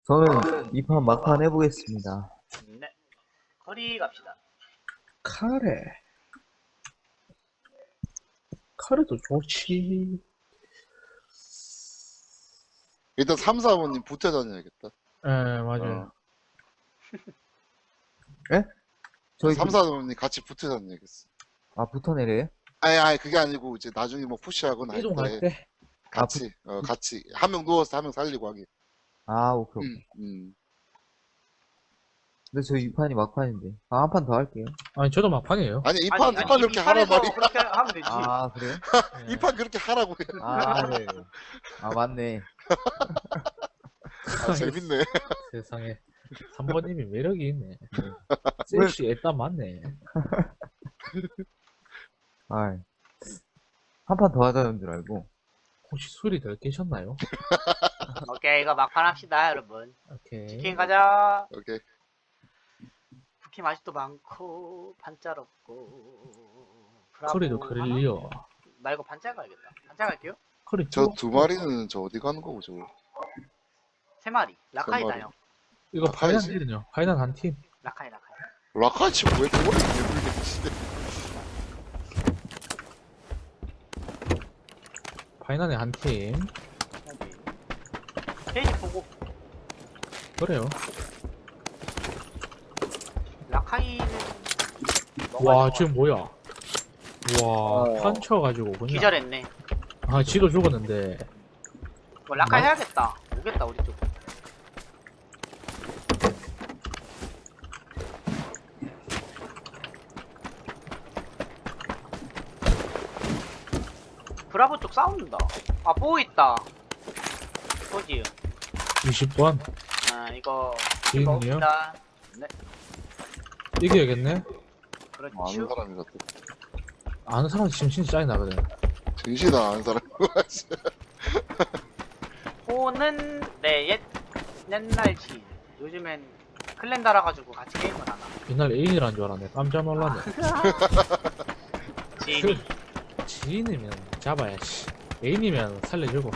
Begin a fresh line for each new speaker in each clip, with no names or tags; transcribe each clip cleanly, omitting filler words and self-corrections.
저는 이 판 막판 해보겠습니다.
네. 커리 갑시다.
카레도 좋지.
일단 3, 4번님 붙여 다녀야겠다.
예, 맞아요.
저희
3, 4번님 같이 붙여 다녀야겠어.
붙어 내려요?
아니, 그게 아니고, 이제 나중에 뭐 푸시하거나 할
이동할
때,
때.
같이. 한 명 누워서 한 명 살리고 하기.
오케이.
음.
근데 저희 이 판이 막판인데. 한 판 더 할게요.
아니, 저도 막판이에요.
아니, 이 판 그렇게 하란 말이야.
그렇게 하면 되지.
그래요?
예.
이 판 그렇게 하라고 해.
네. 맞네.
재밌네.
세상에. 3번님이 매력이 있네. 섹시 일단 맞네.
한 판 더 하자는 줄 알고.
혹시 술이 덜 깨셨나요?
오케이, 이거 막판 합시다, 여러분.
오케이.
치킨 가자.
오케이.
부키 맛있도 많고, 반짤없고. 브라보
커리도
하나?
그릴리어.
나 이거 반짤 가야겠다. 반짤 갈게요.
커리
저 두 마리는 저 어디 가는 거고, 저거?
3마리. 라카이다,
마리.
형.
이거
라카이지?
파이난 딜은요? 파이난 한 팀.
라카이.
라카치 왜 그거를 개불게 치대.
파이난에 한 팀.
페이지 보고.
그래요.
라카이는.
와, 지금 뭐야? 와, 판쳐가지고 그냥.
기절했네.
지도 죽었는데.
이거 라카이 해야겠다. 오겠다, 우리 쪽. 브라보 쪽 싸운다. 뽀 있다. 포지.
20번.
이거
지금요?
먹읍시다. 네,
이겨야겠네.
아는
그렇죠.
사람이 같아.
아는 사람 지금 진짜 짜증 나거든.
정신아 아는 사람.
호는 옛날 지. 요즘엔 클랜 달아가지고 같이 게임을 안 하나.
옛날 애인이란 줄 알았네. 깜짝 놀랐네.
지인이.
지인이면 잡아야지. 애인이면 살려주고.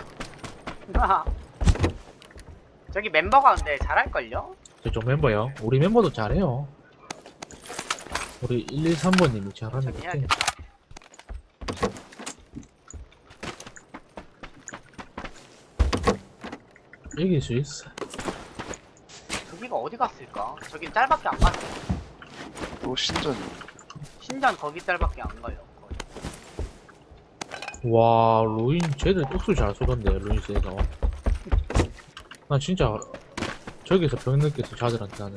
저기 멤버가 근데 잘할걸요?
저쪽 멤버요. 우리 멤버도 잘해요. 우리 113번님이 잘하는
저기
것 같아.
해야겠다.
이길 수 있어.
저기가 어디 갔을까? 저긴 짤밖에 안 갔어.
또 신전.
신전 거기 짤밖에 안 가요. 거의.
와, 루인, 쟤들 똑수 잘 쏘던데, 루인스에서. 난 진짜, 저기서 병 느꼈어, 자들한테 나는.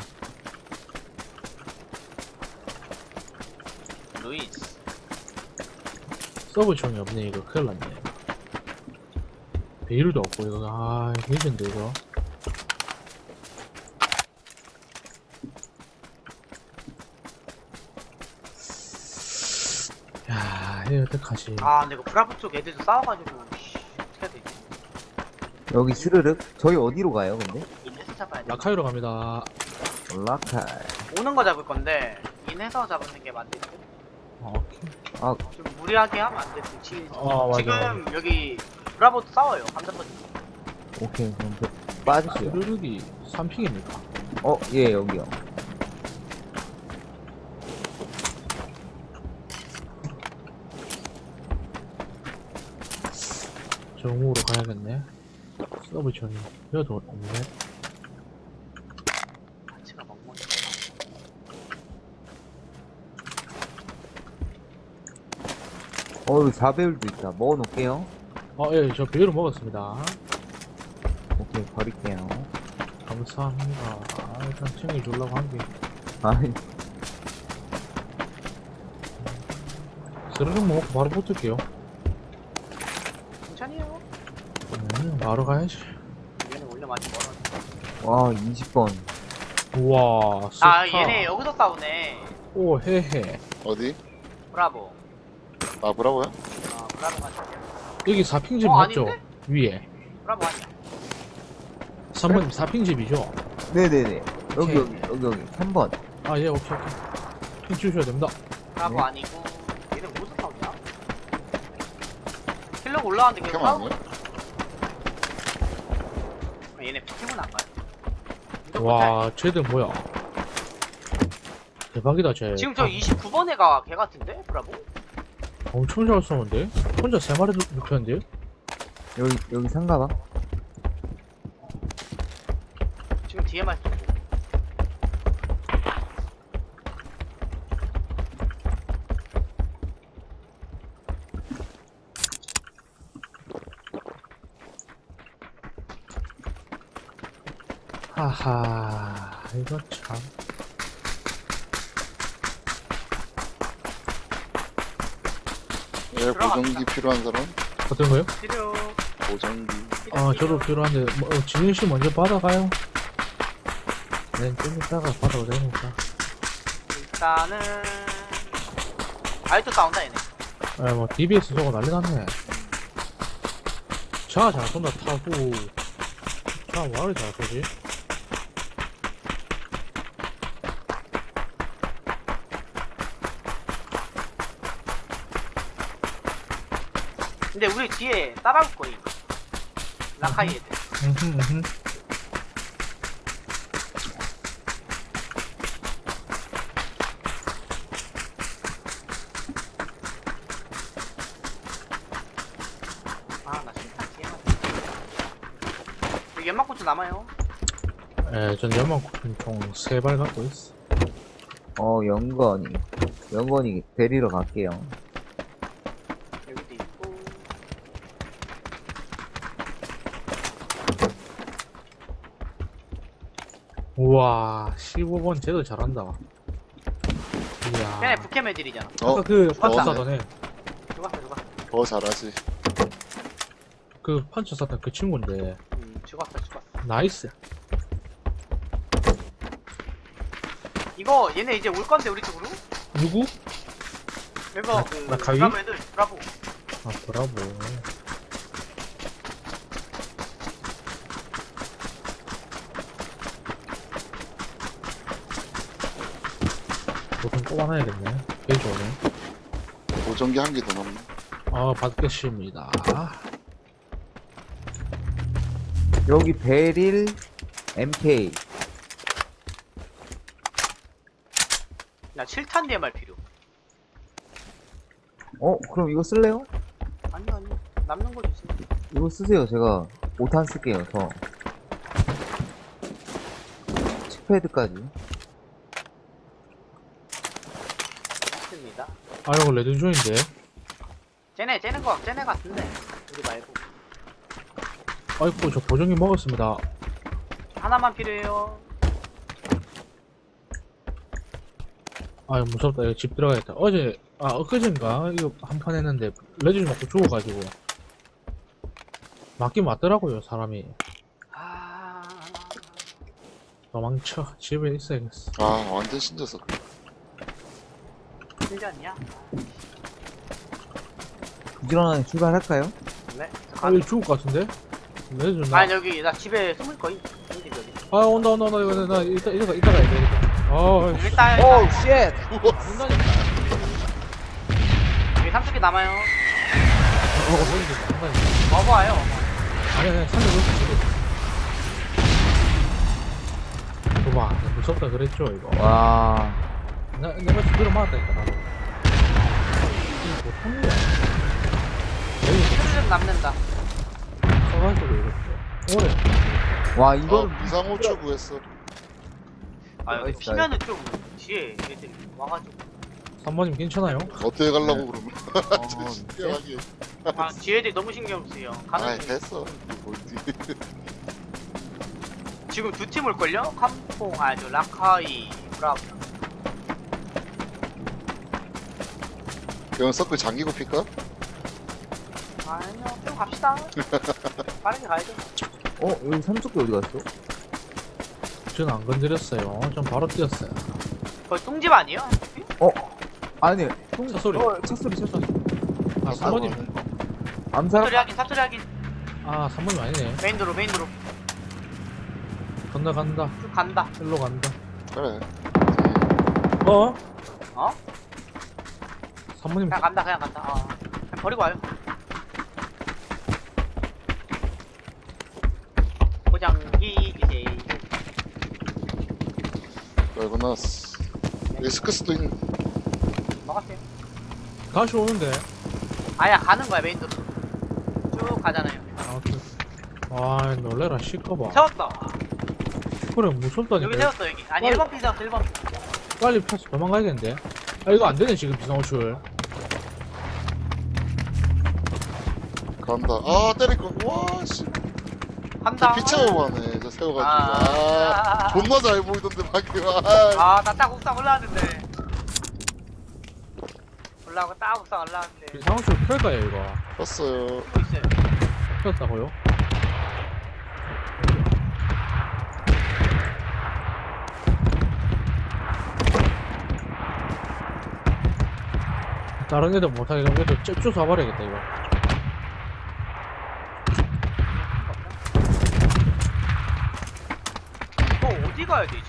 루이스.
서브총이 없네, 이거. 큰일 났네. 베일도 없고, 이거. 레전드, 이거. 야, 이거 어떡하지.
근데 이거 브라보 쪽 애들도 싸워가지고 어떻게 해야 되지?
여기 스르륵? 저희 어디로 가요, 근데?
인해서 잡아야 돼.
라카이로 갑니다.
라카이.
오는 거 잡을 건데 인해서 잡는 게 맞을 듯?
오케이.
좀 무리하게 하면 안 돼. 지금
맞아.
여기 브라보도 싸워요. 감자버지.
오케이, 그럼 빠질게요.
스르륵이 3픽입니까?
예, 여기요.
정우로 가야겠네. 서브총이. 여도 없네.
같이가 먹먹.
여기 4배율도 있다. 먹어놓을게요.
예, 저 배율을 먹었습니다.
오케이, 버릴게요.
감사합니다. 일단 챙겨주려고 한 게.
아이,
스르륵 먹고 바로 붙을게요.
천천히요.
바로 가야지.
얘는 원래 많이 멀어.
20번.
우와, 스타.
얘네 여기서 싸우네.
오, 헤헤.
어디?
브라보.
브라보야?
브라보 맞죠?
여기 4핑집
어,
맞죠?
아닌데?
위에.
브라보 아니야.
3번 4핑집이죠?
네네네. 여기,
오케이.
여기. 3번.
예, 오케이. 핑 주셔야 됩니다.
브라보
네.
아니고 얘는 어디서 싸우냐? 킬러가 올라왔는데 계속
캠
싸우고
아니야?
얘네 포켓몬 안 가요.
와, 쟤들 뭐야? 대박이다, 쟤.
지금 저 29번 애가 걔 같은데? 브라보?
엄청 잘 쏘는데? 혼자 3마리 눕혔는데요?
여기 상가방?
지금 뒤에만 쏘고.
하하, 이거 참.
예, 보정기 필요한 사람?
어떤 거요?
필요.
보정기.
아, 저도 필요한데, 뭐, 진윤씨 먼저 받아가요. 네, 좀 이따가 받아도 되니까.
일단은 아이도 싸운다 얘네.
아, 뭐, DBS 저거 난리 났네. 차 잘 쏜다 타고, 차 뭐하러 잘 쏘지?
근데 우리 뒤에 따라올 거임. 라카이 애들.
음흠.
아, 나 실탄 뒤에만. 여기 연막군주 남아요.
예, 전 연막 총 3발 갖고 있어.
영건이 데리러 갈게요.
여기도 있고.
우와, 15번 쟤도 잘한다. 이야.
걔네 북캠 애들이잖아.
아까 그 판처
죽었다.
쐈던 애,
죽었어.
더 잘하지.
그 판처 쐈던 그 친구인데,
죽었어.
나이스.
이거 얘네 이제 올 건데 우리 쪽으로?
누구?
이거
나 가위?
브라보 애들 브라보.
아, 브라보. 보통 뽑아놔야겠네. 되게 좋네.
보정기 한 개 더 남네.
아, 받겠습니다.
여기 베릴 MK.
나 7탄 DMR 필요.
그럼 이거 쓸래요?
아니 남는 거 주세요.
이거 쓰세요. 제가 5탄 쓸게요. 저. 칙패드까지.
있습니다.
아, 이거 레드존인데.
쟤네 같은데 우리 말고
아이고, 저 보정기 먹었습니다.
하나만 필요해요.
아, 무섭다. 이거 집 들어가야겠다. 엊그젠가? 이거 한 판 했는데, 레드존 맞고 죽어가지고. 맞긴 맞더라고요, 사람이.
아,
도망쳐. 집에 있어야겠어.
아, 완전 신져서.
신기하냐?
부지런하게 출발할까요?
네.
아, 이거 죽을 것 같은데? 레드존 나.
아니 여기 나 집에 숨을 거임. 여기.
아, 온다. 이거 나 이따가 해야 되겠다.
일단
오우 쉣!
온다니까.
여기 30개 남아요.
온다니까.
먹어와요.
아니, 300 봐봐, 무섭다 그랬죠, 이거.
와.
내가 제대로 맞았다니까, 나도. 이게 보통 일이야. 여기
좀 남는다.
써가지고 이렇게. 오래.
와, 이거는
비상호출 구했어.
아 여기
나이스,
피면은 좀 뒤에 애들이 와가지고.
3번님 괜찮아요?
어떻게 가려고 그러면.
어,
신기하게.
아 뒤에 애들이 너무 신경 쓰여.
아,
가는 중.
됐어. 뭐지.
지금 두 팀 올걸요? 캄퐁, 저 라카이, 브라보.
그럼 서클 잠기고 필까?
아니요, 좀 갑시다. 빠르게 가야죠.
여기 삼척기 어디 갔어?
저는 안 건드렸어요. 전 바로 뛰었어요.
거의 똥집 아니에요?
아니,
차 소리.
차 소리.
아, 3번님.
암살?
사투리 하긴.
아, 3번님 아니네.
메인도로.
간다.
쭉 간다.
일로 간다.
그래.
어?
어?
3번님.
그냥 간다. 그냥 버리고 와요. 포장기 주세요.
열고 나왔어. 여기 스크스도 있는.
먹었어요.
다시 오는데.
아야 가는 거야 메인 도로. 쭉 가잖아요.
아, 와, 놀래라, 시커봐.
세웠다.
그래, 무섭다니까.
여기 세웠어 여기. 아니
빨리.
1번 피 세웠어 1번 피.
빨리 펴서 도망가야겠는데. 아, 이거 안 되네, 지금 비상호출.
간다. 아, 때릴 거. 와, 씨.
간다.
피 채우고 가네. 저 세워가지고.
아.
존나 잘 보이던데, 방금.
나 딱 옥상 올라왔는데. 올라오고 딱 옥상 올라왔는데.
비상호출 펼까요, 이거?
떴어요.
또 있어요.
폈다고요? 다른 애들 못하게 그럼 애들 쭉 쏴버려야겠다, 이거.
이거 어디 가야 되지?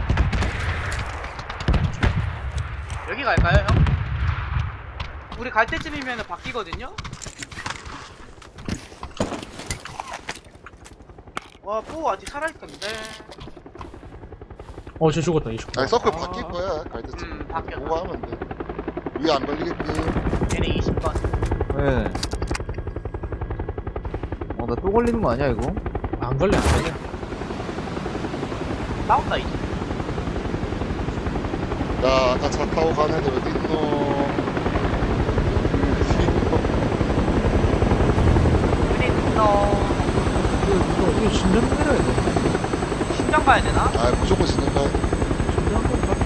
여기 갈까요, 형? 우리 갈 때쯤이면 바뀌거든요? 와, 뽀 아직 살아있던데.
쟤 죽었다, 이 죽었다.
아니, 서클 바뀔 거야, 갈 때쯤.
바뀌었다.
보고 하면 돼. 위에 안 걸리겠지.
얘네 20번.
예. 나 또 걸리는 거 아니야, 이거?
안 걸려, 안 걸려.
싸웠다, 이제.
야, 아까 차 타고 간 애들 어디 있노?
근데 있어.
이거 신전 내려야 돼.
심장 가야 되나?
아, 무조건 신는 거야.
신전 가.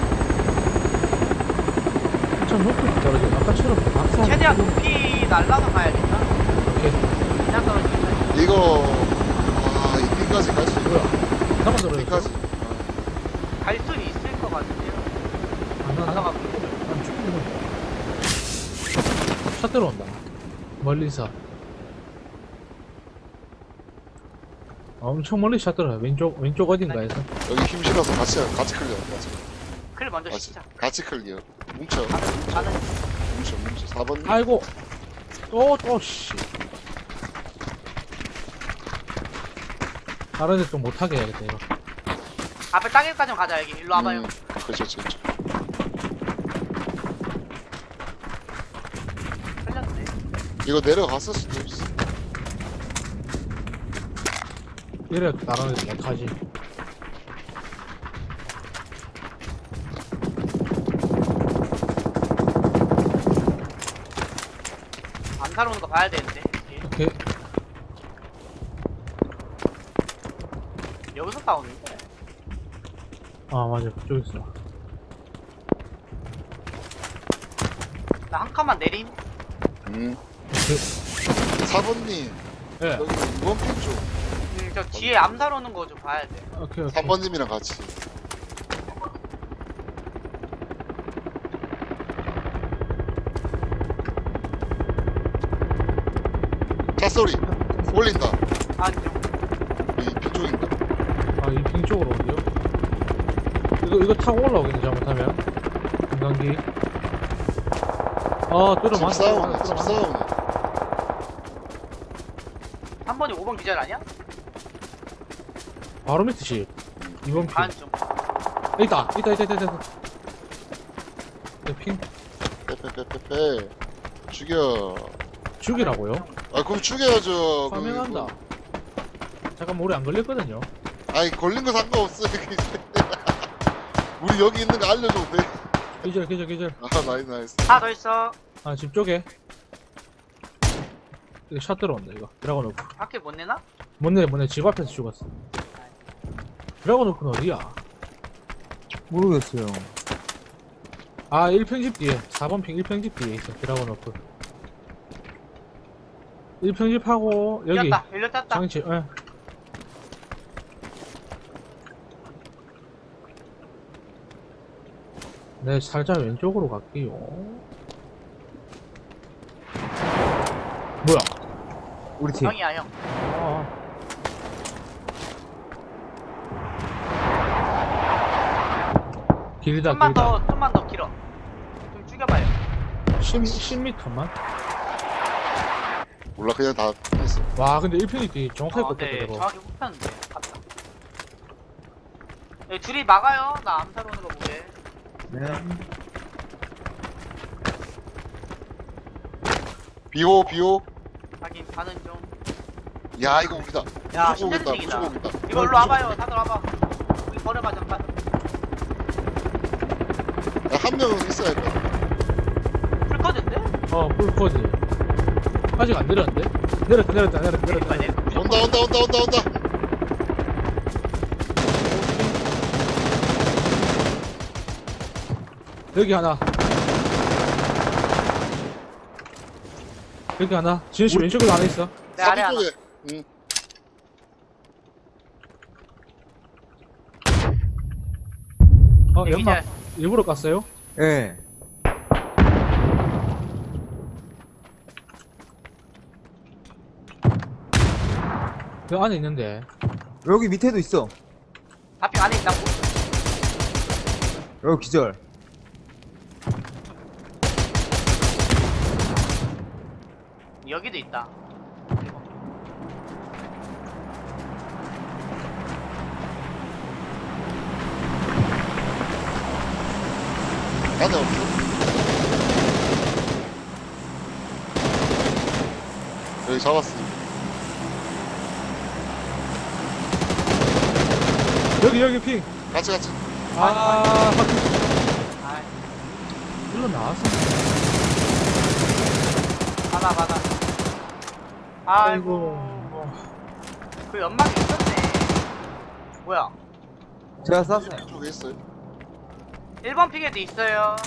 참 높이 떨어져. 아까처럼 낙사.
최대한 높이 날라서 가야겠다.
오케이.
그냥 떨어지면.
이거, 이까지 갈 수 있고요.
나만 떨어졌어.
이까지.
갈 수는 있을 것 같은데요.
안
가다가
난 죽는 거야. 차 들어온다. 멀리서. 엄청 멀리 차 들어요. 왼쪽 어딘가에서.
여기 힘 실어서 같이 클리어.
클 먼저 시작.
같이 클리어. 뭉쳐.
가는
뭉쳐. 4번.
아이고. 씨. 다른 애 좀 못하게 해야겠다, 이거.
앞에 땅에까지만 가자 여기. 일로 와봐요.
그렇죠.
흘렸네.
이거 내려갔을 수도 있어.
이래 다른 애 못하지.
안 살아오는 거 봐야 되는데.
오케이.
여기서 싸우는데.
아, 맞아. 저기 있어.
나 한 칸만 내림.
오케이.
4번님.
예.
여기 2번 핀 쪽.
저 뒤에 암살 오는 거 좀 봐야 돼.
오케이.
3번님이랑 같이. 차 소리. 올린다.
안녕.
이 핀 쪽인가?
아, 이 빙 쪽으로 어디요? 이거 타고 올라오겠네, 잘못하면. 금강기.
집 싸우네. 집 싸우네.
한 번에 5번 기절 아니야?
바로 밑에 집. 2번 핑.
안좀
있다. 핑.
빼빼빼빼빼. 죽여.
죽이라고요?
아, 그럼 죽여야죠.
사명한다. 잠깐 오래 안 걸렸거든요.
아니, 걸린 거 상관없어. 우리 여기 있는 거 알려줘도 돼.
기절.
아, 나이스.
하나 더 있어.
아, 집 쪽에. 이거 샷 들어온다, 이거. 드라곤 오프.
밖에 못 내나?
못 내. 집 앞에서 죽었어. 드라곤 오프는 어디야?
모르겠어요.
아, 1평집 뒤에. 4번 핑 1평집 뒤에 있어. 드라곤 오프. 1평집하고, 여기.
열렸다. 열렸다.
장치, 예. 네, 살짝 왼쪽으로 갈게요. 뭐야?
우리 팀.
형이야 형.
아, 길다,
좀만
길다.
더 길어. 좀 죽여봐요.
10m만?
몰라, 그냥 다 했어.
와, 근데 1평이 뒤 정확하게
네,
꺾였다, 저거.
정확히 꼽혔는데. 갔다. 여기 둘이 막아요. 나 암살 오는 거 보게.
네.
비호 비호.
하긴 가는 중.
야 이거 우리다.
야,
무조건 오겠다.
신세대생이다.
무조건 오겠다.
이거 일로 와봐요. 다들 와봐. 여기 버려봐 잠깐.
한 명은 있어야 돼.
풀커즈인데?
풀코지. 아직 안 내렸는데? 내렸다.
그러니까 내
온다.
여기 하나. 여기 하나. 지현씨 왼쪽에 하나 있어.
내 아래 하나.
쪽에. 응.
연막 일부러 깠어요?
예.
그 안에 있는데.
여기 밑에도 있어.
다핑 안에 있다고?
여기 기절.
여기도 있다.
안에 없어. 여기 잡았어.
여기 핑.
같이.
아,
일로 나왔어.
받아. 아이고. 그 연막이 있었네. 뭐야?
제가 쐈어요.
쪽에 있어요.
1번 픽에도 있어요.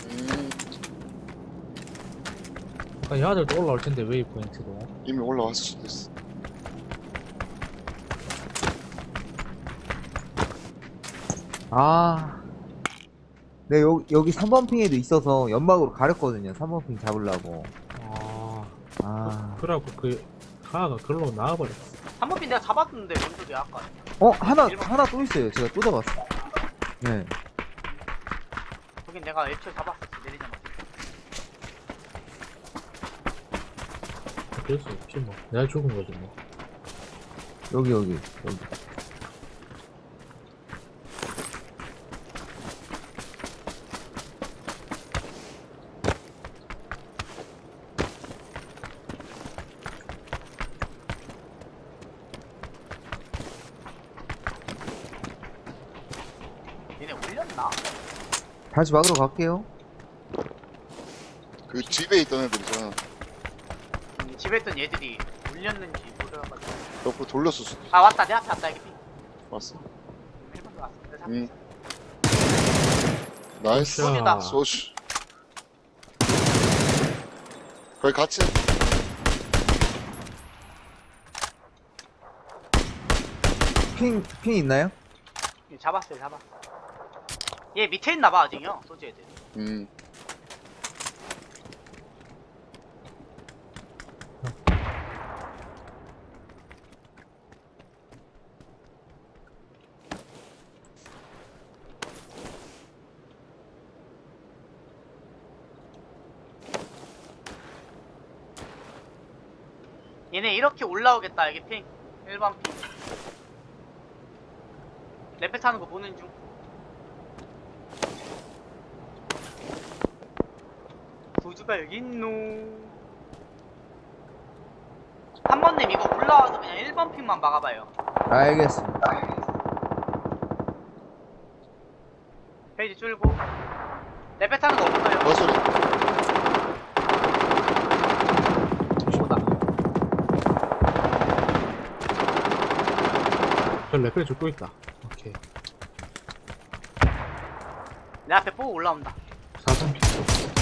얘들도 올라올 텐데, 웨이포인트도.
이미 올라왔을 수도 있어.
아. 네, 여기 3번 핑에도 있어서 연막으로 가렸거든요. 3번 핑 잡으려고. 아.
그래갖고 하나가 글로 나와버렸어.
3번 픽 내가 잡았는데 왼쪽에 아까.
하나 또 있어요. 제가 또 잡았어. 네.
거긴 내가 애초에 잡았었어. 내리자마자.
어쩔 수 없지, 뭐. 내가 죽은 거지, 뭐.
여기.
얘네 올렸나?
다시 막으러 갈게요.
그 집에 있던 애들이잖아.
집에 있던 얘들이 올렸는지 모르가지고.
옆으로 돌렸을 수도
아 왔다. 내 앞에 왔다. 여기 픽.
왔어.
1번도 왔어. 내가
응.
잡았어.
나이스.
소주다.
소주. 거기 같이.
핑 있나요?
얘 잡았어요. 얘 밑에 있나봐 아직요. 소주 애들. 얘네 이렇게 올라오겠다. 여기 핑 1번 핑 레페 타는 거 보는 중. 도주가 여기 있노. 한 번님 이거 올라와서 그냥 1번 핑만 막아봐요.
알겠습니다.
페이지 줄고 레페 타는 거 없어요.
버소리.
오다.
저 레벨 죽고 있다. 오케이.
내 앞에 보고 올라온다.
4번 핑.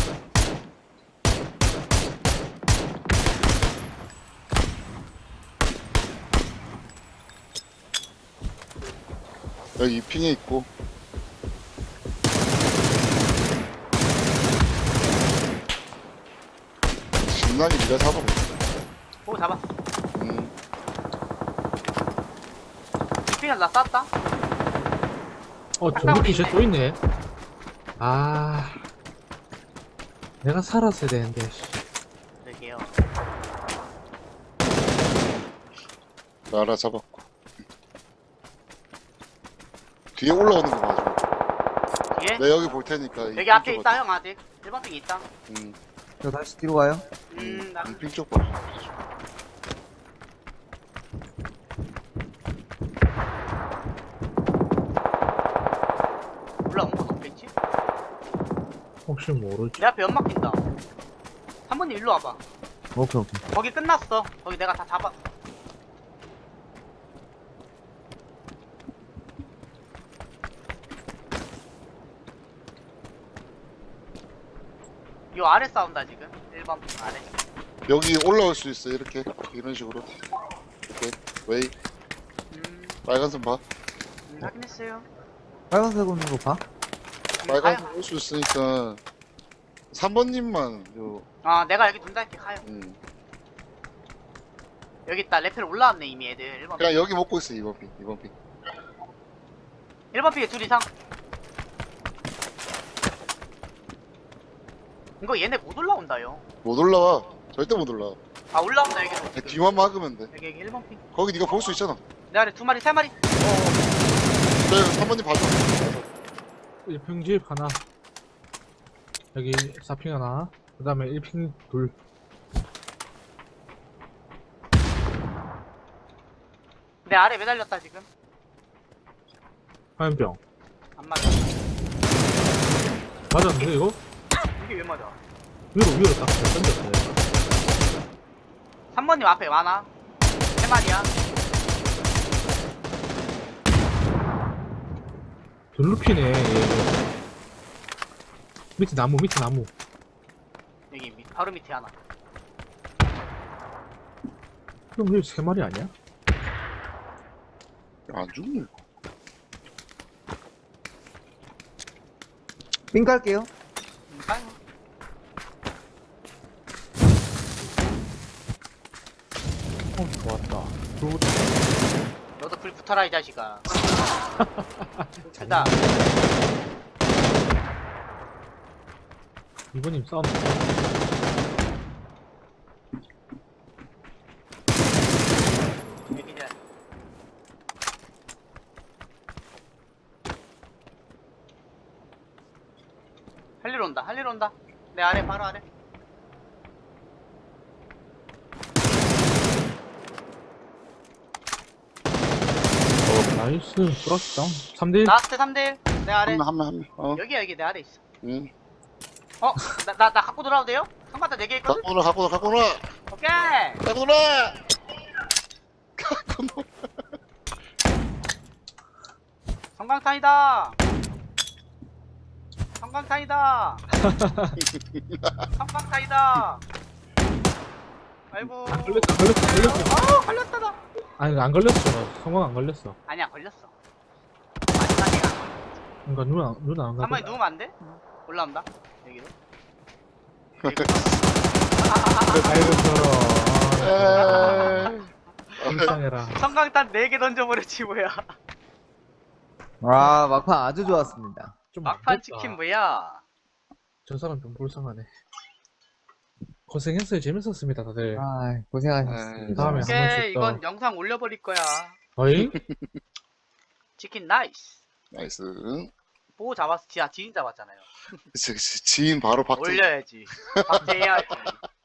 여기 핑에 있고. 신난이 네가 잡아봐.
보고 잡았어.
음.
핑을 나 쐈다.
전기 쟤 또 있네. 내가 살았어야 되는데. 씨.
그러게요.
나라 잡았고. 뒤에 올라오는 거 봐줘.
뒤에?
내가 여기 볼 테니까.
여기 앞에 있다 형 아직 1번 핑 있다.
저 다시 뒤로 가요.
나
핑쪽 봐줘.
올라온 건 없겠지?
혹시 모르지.
내 앞에 연막 낀다. 한 번님 일로 와봐.
오케이, 오케이.
거기 끝났어. 거기 내가 다 잡았어. 요 아래 싸운다 지금. 1번 핑 아래.
여기 올라올 수 있어, 이렇게. 이런 식으로. 이렇게. 웨이. 빨간 선 봐.
확인했어요.
빨간색 오는 거 봐.
빨간 선 올 수 있으니까. 3번님만,
아 내가 여기 둔다 이렇게 가요. 여기 있다. 레펠 올라왔네 이미 애들. 1번
그냥
핑.
여기 먹고 있어, 2번 핑. 2번 핑.
1번 핑에 둘 이상. 이거 얘네 못 올라온다요.
못 올라와. 절대 못 올라와.
아 올라온다 여기.
그냥 뒤만 막으면 돼.
여기 1번 핑.
거기 네가 볼 수 있잖아.
내 아래 2마리 3마리.
네, 3번님 봐줘.
이 평집 하나. 여기 4핑 하나. 그 다음에 1핑 둘.
내 아래 매달렸다 지금.
화염병.
안 맞아.
맞았는데 이거?
이게 왜 맞아?
위로 딱 던졌어요.
3번님 앞에 많아. 3마리야.
둘루피네 얘. 밑에 나무.
여기 바로 밑에 하나.
그럼 여기 3마리 아니야?
안 죽네.
삥 깔게요.
아유,
좋았다.
너도 불 붙어라 이 자식아. 크다.
이번님 싸움.
여기 이제 할 일 온다. 내 아래 바로 아래.
나이스. 플러스 다운. 3대1.
라스트 3대1. 내 아래.
한 명.
여기 내 아래 있어.
응.
나 갖고 돌아도 돼요? 성가다 4개 있거든?
갖고 놀아.
오케이.
갖고 놀아. 갖고 놀아.
성광탄이다. 성광탄이다. 성광탄이다. 아이고.
안 걸렸어.
걸렸다 나.
아니 안 걸렸어. 성공 안 걸렸어.
아니야 걸렸어. 마지막에가 안 걸렸어.
그러니까 누나 안 걸렸어.
가만히 누우면 안 돼? 올라온다. 여기로.
아이고 불쌍해라.
성광탄 4개 던져버렸지 뭐야.
와, 막판 아주 좋았습니다.
좀
막판
안
치킨
됐다.
뭐야.
저 사람 좀 불쌍하네. 고생했어요. 재밌었습니다 다들.
아, 고생하셨습니다.
다음에 한 번씩
오케이
더.
이건 영상 올려버릴 거야.
어이?
치킨 나이스.
나이스.
보고 잡았어. 지인 잡았잖아요.
그치. 지인 바로 박제.
올려야지. 박제해야지.